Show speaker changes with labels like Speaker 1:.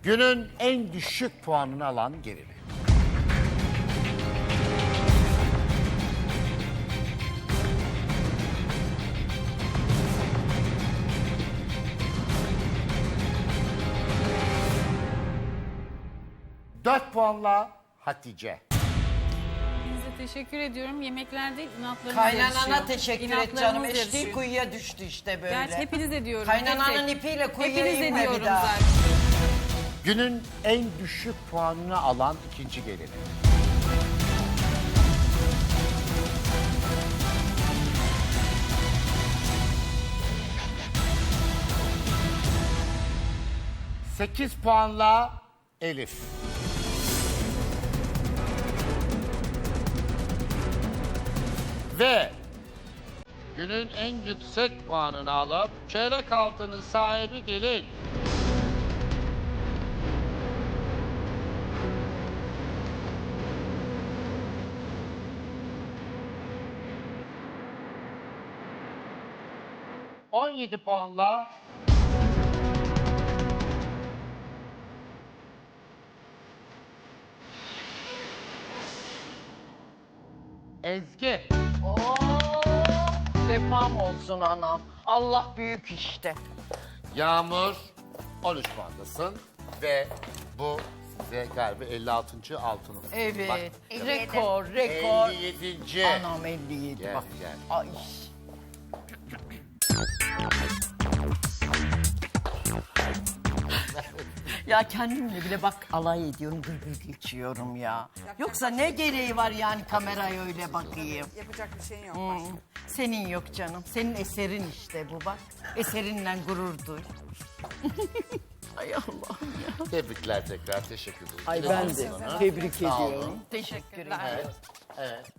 Speaker 1: Günün en düşük puanını alan gelini. Dört puanla Hatice.
Speaker 2: Size teşekkür ediyorum. Yemekler değil, inatlarınız
Speaker 3: Kaynanana
Speaker 2: yarışıyor.
Speaker 3: teşekkür et
Speaker 2: İnatlarınız
Speaker 3: canım. Eşliği
Speaker 2: yarışıyor.
Speaker 3: kuyuya düştü işte böyle.
Speaker 2: Gerçi hepiniz ediyorum.
Speaker 3: Kaynananın
Speaker 2: tek tek.
Speaker 3: ipiyle kuyuya
Speaker 2: Hepiniz
Speaker 3: inme bir
Speaker 2: ediyorum
Speaker 3: daha.
Speaker 2: zaten.
Speaker 1: Günün en düşük puanını alan ikinci gelini. Sekiz puanla Elif. Ve günün en yüksek puanını alıp çeyrek altının sahibi gelin. On yedi puanla Ezgi.
Speaker 3: Oo, sefam olsun anam. Allah büyük işte.
Speaker 1: Yağmur 13 puandasın ve bu size galiba 56. altını.
Speaker 3: Evet.
Speaker 1: Bak,
Speaker 3: Rekor, rekor.
Speaker 1: 57.
Speaker 3: Anam 57
Speaker 1: Gel,
Speaker 3: bak.
Speaker 1: gel.
Speaker 3: Ay. Ya kendimle bile bak alay ediyorum, gırgır geçiyorum ya. Yoksa ne gereği var yani kameraya öyle bakayım.
Speaker 4: Yapacak bir şeyin yok. başka.
Speaker 3: Senin yok canım. Senin eserin işte bu bak. Eserinle gurur duy. Ay Allah'ım ya.
Speaker 1: Tebrikler tekrar teşekkür ederim.
Speaker 5: Ay ben de tebrik ediyorum.
Speaker 3: Teşekkür ederim.
Speaker 1: Evet.